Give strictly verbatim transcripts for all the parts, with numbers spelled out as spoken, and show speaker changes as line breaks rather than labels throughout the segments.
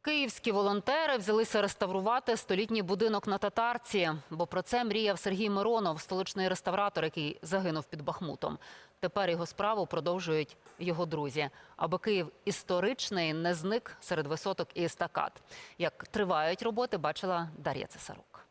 Київські волонтери взялися реставрувати столітній будинок на Татарці. Бо про це мріяв Сергій Миронов, столичний реставратор, який загинув під Бахмутом. Тепер його справу продовжують його друзі. Аби Київ історичний не зник серед висоток і естакад. Як тривають роботи, бачила Дар'я Цесарук.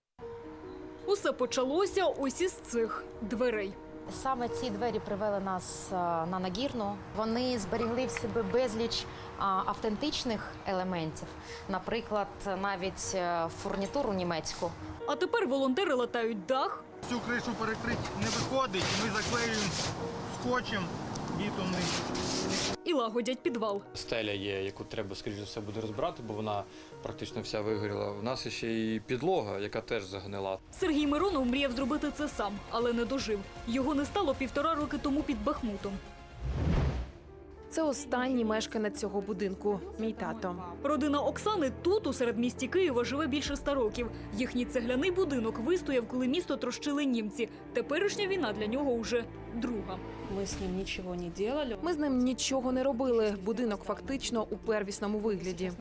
Усе почалося ось із цих дверей.
Саме ці двері привели нас на Нагірну. Вони зберігли в себе безліч автентичних елементів, наприклад, навіть фурнітуру німецьку.
А тепер волонтери латають дах.
Всю кришу перекрити не виходить, ми заклеюємо скотчем бітумним.
І лагодять підвал.
Стеля є, яку треба, скоріш за все, буде розбирати, бо вона практично вся вигоріла. У нас ще й підлога, яка теж загнила.
Сергій Миронов мріяв зробити це сам, але не дожив. Його не стало півтора роки тому під Бахмутом.
Це останній мешканець цього будинку – мій тато.
Родина Оксани тут, у середмісті Києва, живе більше ста років. Їхній цегляний будинок вистояв, коли місто трощили німці. Теперішня війна для нього уже друга.
Ми з ним нічого не робили.
Ми з ним нічого не робили. Будинок фактично у первісному вигляді.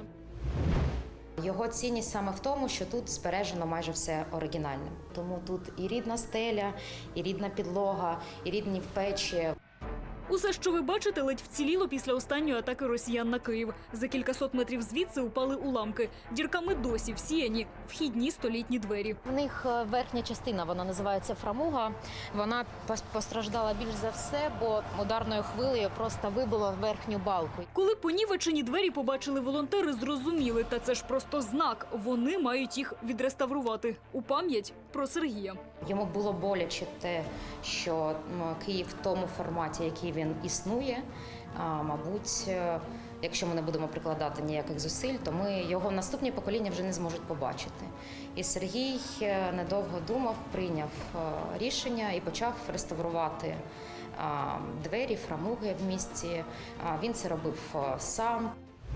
Його цінність саме в тому, що тут збережено майже все оригінальне. Тому тут і рідна стеля, і рідна підлога, і рідні печі.
Усе, що ви бачите, ледь вціліло після останньої атаки росіян на Київ. За кількасот метрів звідси упали уламки. Дірками досі всіяні вхідні столітні двері.
В них верхня частина, вона називається фрамуга. Вона постраждала більш за все, бо ударною хвилею просто вибило верхню балку.
Коли понівечені двері побачили волонтери, зрозуміли, та це ж просто знак. Вони мають їх відреставрувати у пам'ять про Сергія.
Йому було боляче те, що Київ в тому форматі, який він існує, а, мабуть, якщо ми не будемо прикладати ніяких зусиль, то ми його наступні покоління вже не зможуть побачити. І Сергій недовго думав, прийняв рішення і почав реставрувати двері, фрамуги в місті. Він це робив сам.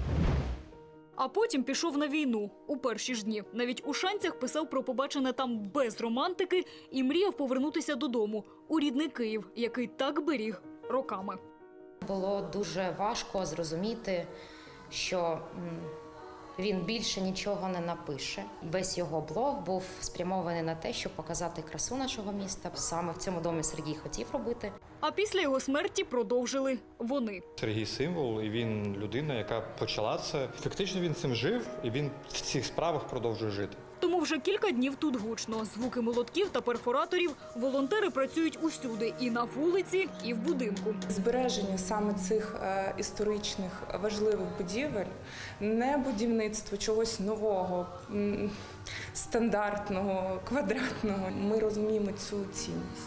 А потім пішов на війну у перші ж дні. Навіть у шанцях писав про побачене там без романтики і мріяв повернутися додому, у рідний Київ, який так беріг роками.
Було дуже важко зрозуміти, що він більше нічого не напише. Весь його блог був спрямований на те, щоб показати красу нашого міста. Саме в цьому домі Сергій хотів робити.
А після його смерті продовжили вони.
Сергій символ, і він людина, яка почала це. Фактично він цим жив, і він в цих справах продовжує жити.
Тому вже кілька днів тут гучно. Звуки молотків та перфораторів. Волонтери працюють усюди – і на вулиці, і в будинку.
Збереження саме цих е, історичних важливих будівель, не будівництво чогось нового, м, стандартного, квадратного. Ми розуміємо цю цінність.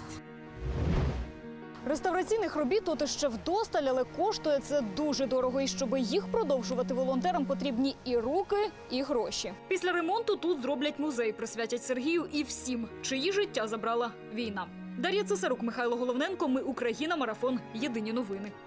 Реставраційних робіт тут ще вдосталь, але коштує це дуже дорого. І щоб їх продовжувати, волонтерам потрібні і руки, і гроші. Після ремонту тут зроблять музей, присвятять Сергію і всім, чиї життя забрала війна. Дар'я Цесарук, Михайло Головненко. Ми Україна. Марафон. Єдині новини.